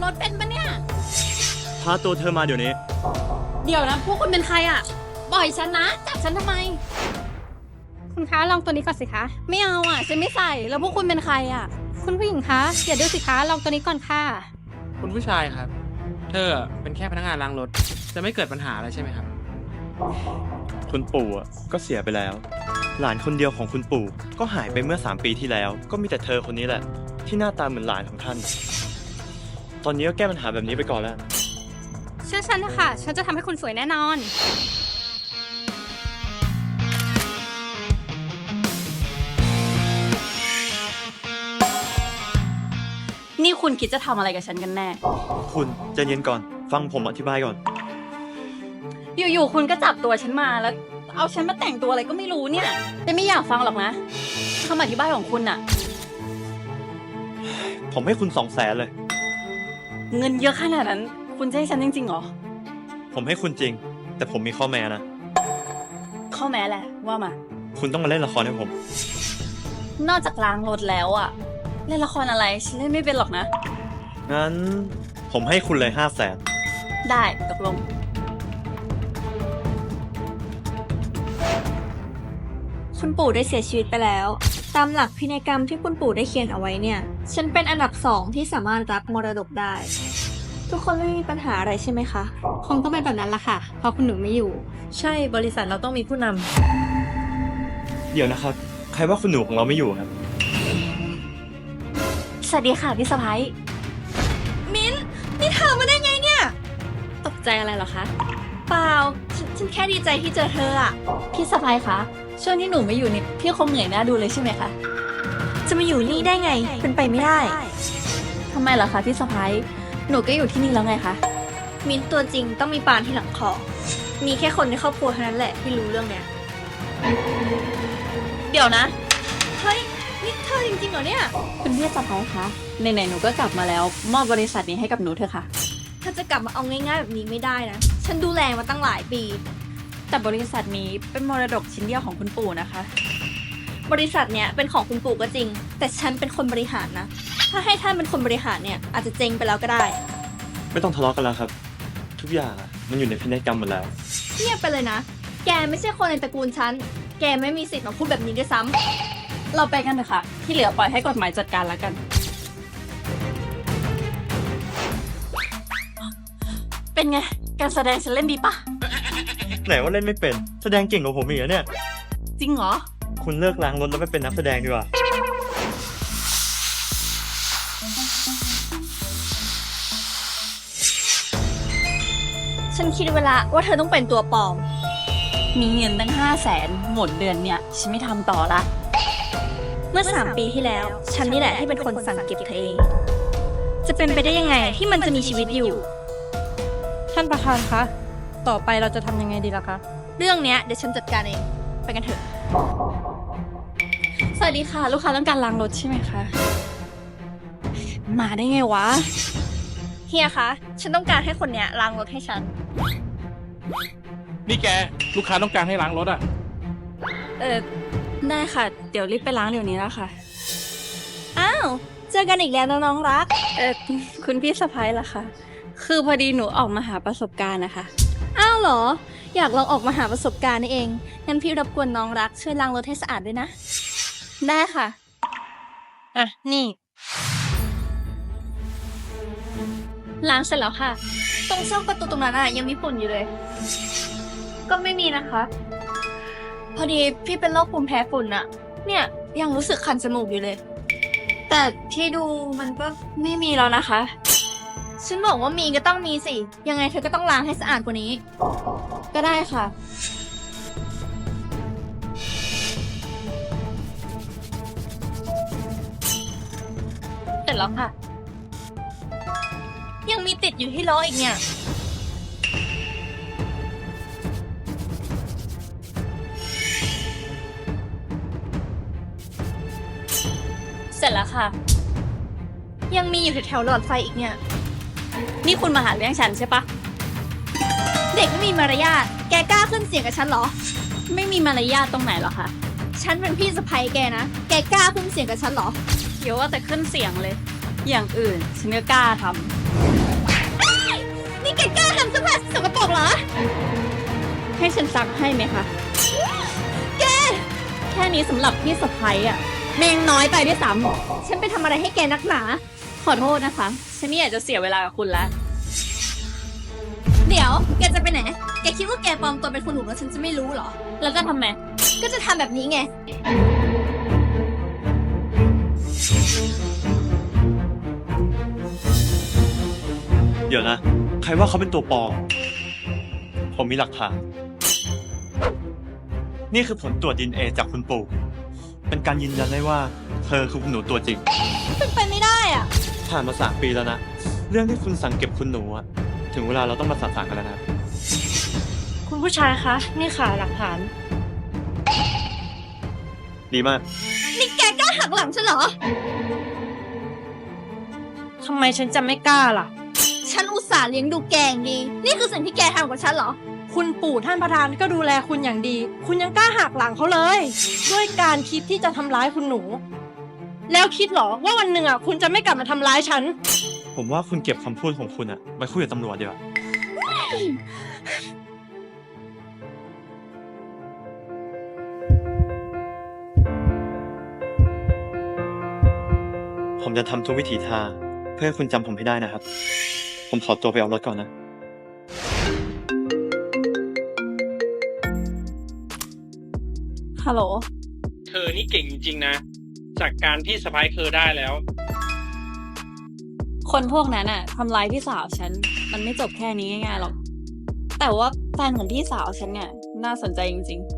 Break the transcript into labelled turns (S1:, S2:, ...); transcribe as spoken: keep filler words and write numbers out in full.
S1: รถเป็นปะเนี่ย
S2: พาตัวเธอมาเดี๋ยวนี้
S1: เดี๋ยวนะพวกคุณเป็นใครอ่ะปล่อยฉันนะจับฉันทำไม
S3: คุณคะลองตัวนี้ก่อนสิคะ
S1: ไม่เอาอ่ะฉันไม่ใส่แล้วพวกคุณเป็นใครอ่ะ
S3: คุณผู้หญิงคะอย่าดื้อสิคะลองตัวนี้ก่อนค่ะ
S4: คุณผู้ชายครับเธอเป็นแค่พนักงานล้างรถจะไม่เกิดปัญหาอะไรใช่ไหมครับ
S2: คุณปู่อ่ะก็เสียไปแล้วหลานคนเดียวของคุณปู่ก็หายไปเมื่อสามปีที่แล้วก็มีแต่เธอคนนี้แหละที่หน้าตาเหมือนหลานของท่านตอนนี้ก็แก้ปัญหาแบบนี้ไปก่อนแล้ว
S3: เชื่อฉันนะคะฉันจะทำให้คุณสวยแน่นอน
S1: นี่คุณคิดจะทำอะไรกับฉันกันแน่
S2: คุณใจเย็นก่อนฟังผมอธิบายก่อน
S1: อยู่ๆคุณก็จับตัวฉันมาแล้วเอาฉันมาแต่งตัวอะไรก็ไม่รู้เนี่ยแต่ไม่อยากฟังหรอกนะคำอธิบายของคุณอะ
S2: ผมให้คุณสองแสนเลย
S1: เงินเยอะขนาดนั้นคุณจะให้ฉันจริงๆหรอ
S2: ผมให้คุณจริงแต่ผมมีข้อแม้นะ
S1: ข้อแม้แหละว่ามา
S2: คุณต้องมาเล่นละครให้ผม
S1: นอกจากล้างรถแล้วอะเล่นละครอะไรฉันเล่นไม่เป็นหรอกนะ
S2: งั้นผมให้คุณเลยห้าแสน
S1: ได้ตกลง
S5: คุณปู่ได้เสียชีวิตไปแล้วตามหลักพินัยกรรมที่คุณปู่ได้เขียนเอาไว้เนี่ยฉันเป็นอันดับสองที่สามารถรับมรดกได้ทุกคนไม่มีปัญหาอะไรใช่ไหมคะ
S3: คงต้องเป็นแบบนั้นละค่ะเพราะคุณหนูไม่อยู่
S1: ใช่บริษัทเราต้องมีผู้น
S2: ำเดี๋ยวนะครับใครว่าคุณหนูของเราไม่อยู่ครับ
S1: สวัสดีค่ะพี่สะพ้ายมิ้นนี่เธอมาได้ไงเนี่ยตกใจอะไรเหรอคะเปล่าฉฉันแค่ดีใจที่เจอเธออะพี่สะพ้ายคะช่วงที่หนูไม่อยู่นี่พี่คงเหนื่อยหน้าดูเลยใช่ไหมคะ
S5: จะมาอยู่นี่ได้ไงเป็นไปไม่ได้
S1: ทำไมเหรอคะพี่สะพ้ายหนูก็อยู่ที่นี่แล้วไงคะ
S5: มิ้นตัวจริงต้องมีปานที่หลังคอมีแค่คนในครอบครัวเท่านั้นแหละที่รู้เรื่องเนี้ย
S1: เดี๋ยวนะ
S5: เฮ้ยนี่เธอจริงๆเหรอเนี่ย
S1: คุณพี่สะพ้ายคะไหนๆหนูก็กลับมาแล้วมอบบริษัทนี้ให้กับหนูเถอะค่ะ
S5: ถ้าจะกลับมาเอาง่ายๆแบบนี้ไม่ได้นะฉันดูแลมาตั้งหลายปี
S1: แต่บริษัทนี้เป็นมรดกชิ้นเดียวของคุณปู่นะคะ
S5: บริษัทเนี้ยเป็นของคุณปู่ก็จริงแต่ฉันเป็นคนบริหารนะถ้าให้ท่านเป็นคนบริหารเนี่ยอาจจะเจ๊งไปแล้วก็ได้
S2: ไม่ต้องทะเลาะกันแล้วครับทุกอย่างมันอยู่ในพินัยกรรมหมดแล้ว
S5: เงียบไปเลยนะแกไม่ใช่คนในตระกูลฉันแกไม่มีสิทธิ์มาพูดแบบนี้ด้วยซ้
S1: ำเราไปกันเถอะค่ะที่เหลือปล่อยให้กฎหมายจัดการแล้วกันเป็นไงการแสดงฉันเล่นดีปะ
S2: ไหนว่าเล่นไม่เป็นแสดงเก่งกว่าผมอีกเนี่ย
S1: จริงเหรอ
S2: คุณเลิกล้างรถแล้วไปเป็นนักแสดงดีกว่า
S5: ฉันคิดเวลาว่าเธอต้องเป็นตัวปลอม
S1: มีเงินตั้งห้าแสนหมดเดือนเนี่ยฉันไม่ทำต่อละ
S5: เมื่อสามปีที่แล้วฉันนี่แหละที่เป็นคนสั่งเก็บเธอเองจะเป็นไปได้ยังไงที่มันจะมีชีวิตอยู่
S3: ท่านประธานคะต่อไปเราจะทำยังไงดีล่ะคะ
S5: เรื่องเนี้ยเดี๋ยวฉันจัดการเองไปกันเถอะ
S1: สวัสดีค่ะลูกค้าต้องการล้างรถใช่ไหมคะมาได้ไงวะ
S5: เฮียคะฉันต้องการให้คนเนี้ยล้างรถให้ฉัน
S4: นี่แกลูกค้าต้องการให้ล้างรถอ่ะ
S1: เออได้ค่ะเดี๋ยวรีบไปล้างเดี๋ยวนี้แล้วค่ะ
S5: อ้าวเจอกันอีกแล้วน้องรัก
S1: เออคุณพี่สะพ้ายล่ะคะคือพอดีหนูออกมาหาประสบการณ์นะคะ
S5: อ้าวเหรออยากลองออกมาหาประสบการณ์นี่เองงั้นพี่รบกวนน้องรักช่วยล้างรถให้สะอาดด้วยนะ
S1: ได้ค่ะอ่ะนี่
S5: ล้างเสร็จแล้วค่ะตรงช่องประตูตรงนั้นอ่ะยังมีฝุ่นอยู่เลยก็ไม่มีนะคะพอดีพี่เป็นโรคภูมิแพ้ฝุ่นอ่ะเนี่ยยังรู้สึกคันจมูกอยู่เลยแต่ที่ดูมันก็
S1: ไม่มีแล้วนะคะ
S5: ฉันบอกว่ามีก็ต้องมีสิยังไงเธอก็ต้องล้างให้สะอาดกว่านี้
S1: ก็ได้ค่ะเสร็จแล้วค่ะ
S5: ยังมีติดอยู่ที่ล้ออีกเนี่ย
S1: เสร็จแล้วค่ะ
S5: ยังมีอยู่แถวๆหลอดไฟอีกเนี่ย
S1: นี่คุณมาหาเรื่องฉันใช่ปะ
S5: เด็กไม่มีมารยาทแกกล้าขึ้นเสียงกับฉันเหรอ
S1: ไม่มีมารยาทตรงไหนหรอคะ
S5: ฉันเป็นพี่สะใภ้แกนะแกกล้าขึ้นเสียงกับฉันเหรอ
S1: เดี๋ยวว่าแต่ขึ้นเสียงเลยอย่างอื่นฉันก็กล้าท
S5: นี่แกกล้าทำเสื้อผ้าสกปรกเหรอ
S1: ำให้ฉันซักให้ไหมคะ
S5: แก
S1: แค่นี้สำหรับพี่สะพ้ยอะแมงน้อยไปด้วยซ้ำฉันไปทำอะไรให้แกนักหนา ขอโทษนะคะ ฉันไม่อยากจะเสียเวลากับคุณแล้ว
S5: เดี๋ยว แกจะไปไหน แกคิดว่าแกปลอมตัวเป็นคุณหนูแล้วฉันจะไม่รู้เหรอ
S1: แล้วจะทำไม
S5: ก็จะทำแบบนี้ไง
S2: เดี๋ยวนะ ใครว่าเขาเป็นตัวปลอม ผมมีหลักฐาน นี่คือผลตรวจดีเอ็นเอจากคุณปู่ เป็นการยืนยันได้ว่าเธอคือคุณหนูตัวจริง
S5: เป็นไปไม่ได้อ่ะ
S2: ผ่านมาสามปีแล้วนะ เรื่องที่คุณสั่งเก็บคุณหนูอะถึงเวลาเราต้องมาสาสางกันแล้วนะ
S3: คุณผู้ชายคะ นี่ค่ะหลักฐาน
S2: ดีมาก
S5: นี่แกกล้าหักหลังฉันเหรอ
S3: ทำไมฉันจะไม่กล้าล่ะ
S5: ฉันอุตส่าห์เลี้ยงดูแกอย่างดี นี่คือสิ่งที่แกทำกับฉันเหรอ
S3: คุณปู่ท่านประธานก็ดูแลคุณอย่างดี คุณยังกล้าหักหลังเขาเลย ด้วยการคิดที่จะทำร้ายคุณหนู แล้วคิดเหรอว่าวันหนึ่งอ่ะคุณจะไม่กลับมาทำร้ายฉัน
S2: ผมว่าคุณเก็บคำพูดของคุณอะไปคุยกับตำรวจดีกว่า ผมจะทำทุกวิถีทางเพื่อให้คุณจำผมให้ได้นะครับ ผมขอตัวไปเอารถก่อนนะ
S1: ฮัลโหล
S6: เธอนี่เก่งจริงๆนะ จากการพี่สะพ้ายเธอได้แล้ว
S1: คนพวกนั้นอะทำร้ายพี่สาวฉัน มันไม่จบแค่นี้ง่ายๆหรอก แต่ว่าแฟนของพี่สาวฉันเนี่ยน่าสนใจจริงๆ